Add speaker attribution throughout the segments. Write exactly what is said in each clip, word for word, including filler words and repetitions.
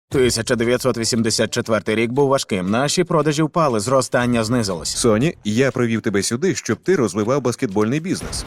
Speaker 1: тисяча дев'ятсот вісімдесят четвертий рік був важким. Наші продажі впали, зростання знизилось.
Speaker 2: Соні, я привів тебе сюди, щоб ти розвивав баскетбольний бізнес.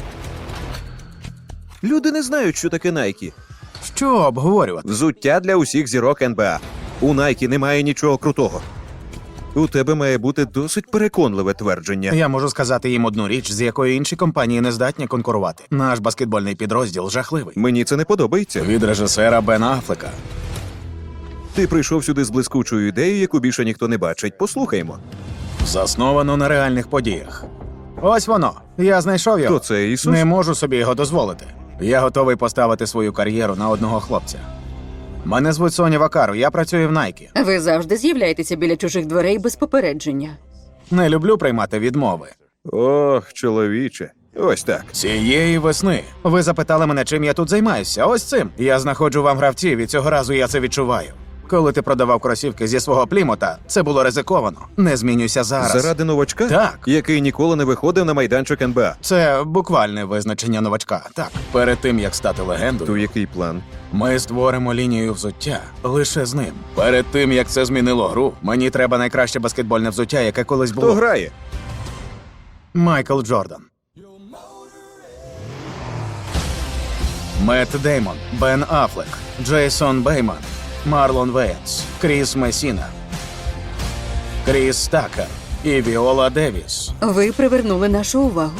Speaker 2: Люди не знають, що таке Nike.
Speaker 1: Що обговорювати?
Speaker 2: Взуття для усіх зірок ен бе а. У Nike немає нічого крутого. У тебе має бути досить переконливе твердження.
Speaker 1: Я можу сказати їм одну річ, з якою інші компанії не здатні конкурувати. Наш баскетбольний підрозділ жахливий.
Speaker 2: Мені це не подобається.
Speaker 1: Від режисера Бена Аффлека.
Speaker 2: Ти прийшов сюди з блискучою ідеєю, яку більше ніхто не бачить. Послухаймо.
Speaker 1: Засновано на реальних подіях. Ось воно. Я знайшов його.
Speaker 2: Хто це, Ісус?
Speaker 1: Не можу собі його дозволити. Я готовий поставити свою кар'єру на одного хлопця. Мене звуть Соня Вакару, я працюю в Nike.
Speaker 3: Ви завжди з'являєтеся біля чужих дверей без попередження.
Speaker 1: Не люблю приймати відмови.
Speaker 2: Ох, чоловіче. Ось так.
Speaker 1: Цієї весни ви запитали мене, чим я тут займаюся. Ось цим. Я знаходжу вам гравців, і цього разу я це відчуваю. Коли ти продавав кросівки зі свого Плімута, це було ризиковано. Не змінюйся зараз.
Speaker 2: Заради новачка?
Speaker 1: Так.
Speaker 2: Який ніколи не виходив на майданчик ен бе а.
Speaker 1: Це буквальне визначення новачка. Так. Перед тим, як стати легендою,
Speaker 2: То який план?
Speaker 1: ми створимо лінію взуття лише з ним. Перед тим, як це змінило гру, мені треба найкраще баскетбольне взуття, яке колись було.
Speaker 2: Хто грає?
Speaker 1: Майкл Джордан. Мет Деймон, Бен Аффлек, Джейсон Бейман, Марлон Вейтс, Кріс Месіна, Кріс Такер і Віола Девіс.
Speaker 3: Ви привернули нашу увагу.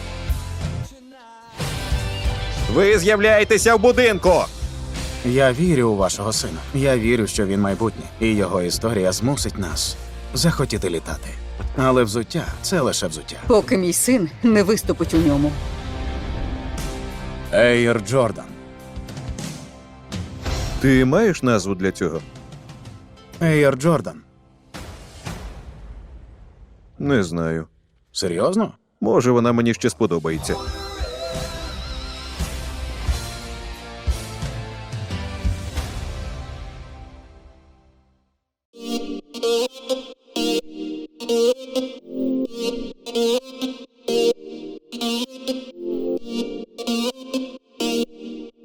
Speaker 2: Ви з'являєтеся в будинку!
Speaker 1: Я вірю у вашого сина. Я вірю, що він майбутнє, і його історія змусить нас захотіти літати. Але взуття – це лише взуття.
Speaker 3: Поки мій син не виступить у ньому.
Speaker 1: Ейр Джордан.
Speaker 2: Ти маєш назву для цього?
Speaker 1: Ейр Джордан.
Speaker 2: Не знаю.
Speaker 1: Серйозно?
Speaker 2: Може, вона мені ще сподобається.